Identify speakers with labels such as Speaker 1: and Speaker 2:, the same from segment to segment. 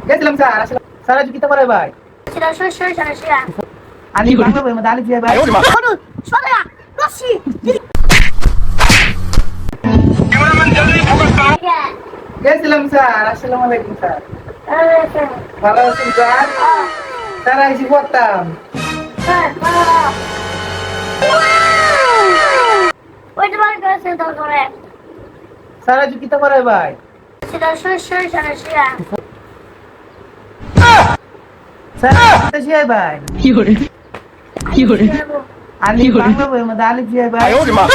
Speaker 1: গেছিলাম স্যার আসলে স্যার আজ কিতা করে ভাই
Speaker 2: সেটা সর
Speaker 1: আমি বাংলা বই মধ্যে আলিফ দিয়ে ভাই
Speaker 2: সরু সরা রশি
Speaker 1: গেছিলাম স্যার আসসালামু আলাইকুম স্যার ভালো আছেন স্যার স্যার আইসি পড়তাম
Speaker 2: ওইটা বার করেছে তো করে
Speaker 1: স্যার আজ কিতা করে ভাই
Speaker 2: সেটা সর
Speaker 1: স্যার কিতা শিয়াই ভাই আমি বাংলা বই মধ্যে আলিফ দিয়ে ভাই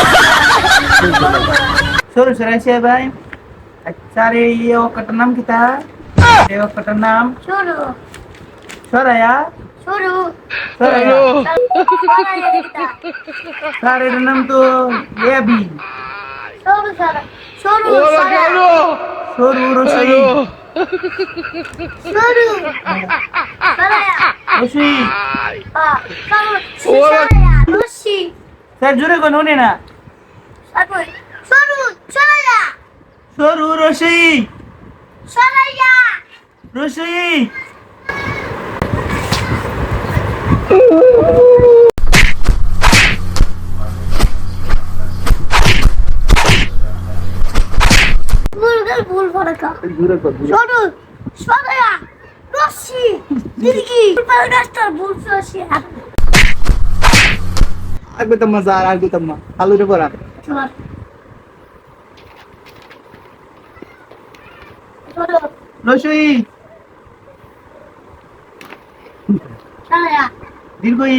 Speaker 1: সরু সরাই শিয়াই ভাই স্যার এই অক্ষরটার নাম কিতা এই অক্ষরটার নাম
Speaker 2: শুরু
Speaker 1: সরায়া
Speaker 2: শুরু
Speaker 1: সরায়া স্যার এটার নাম তো এবি
Speaker 2: শুরু সরা শুরু
Speaker 1: সরু রসই
Speaker 2: শুরু সরা
Speaker 1: রসই
Speaker 2: শুরু রশি
Speaker 1: স্যার জোরে কোন উনি না
Speaker 2: তারপর শুরু সরা
Speaker 1: সরু রসই
Speaker 2: সরাইয়া
Speaker 1: রসই
Speaker 2: ভুল ফরকা
Speaker 1: জোরে কর
Speaker 2: শুরু সরাইয়া রশি দিদি রাস্তার ভুল রশি
Speaker 1: আগবে তম্মা স্যার আগবে তম্মা আলু রে পড়া
Speaker 2: চল শুরু
Speaker 1: রসই
Speaker 2: সরাইয়া
Speaker 1: দীর্ঘই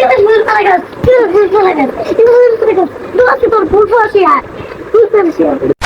Speaker 2: ভুল ফরকা ভুল ফরকা ভুল ফরকা ভুল ফরকা ভুল ফরকা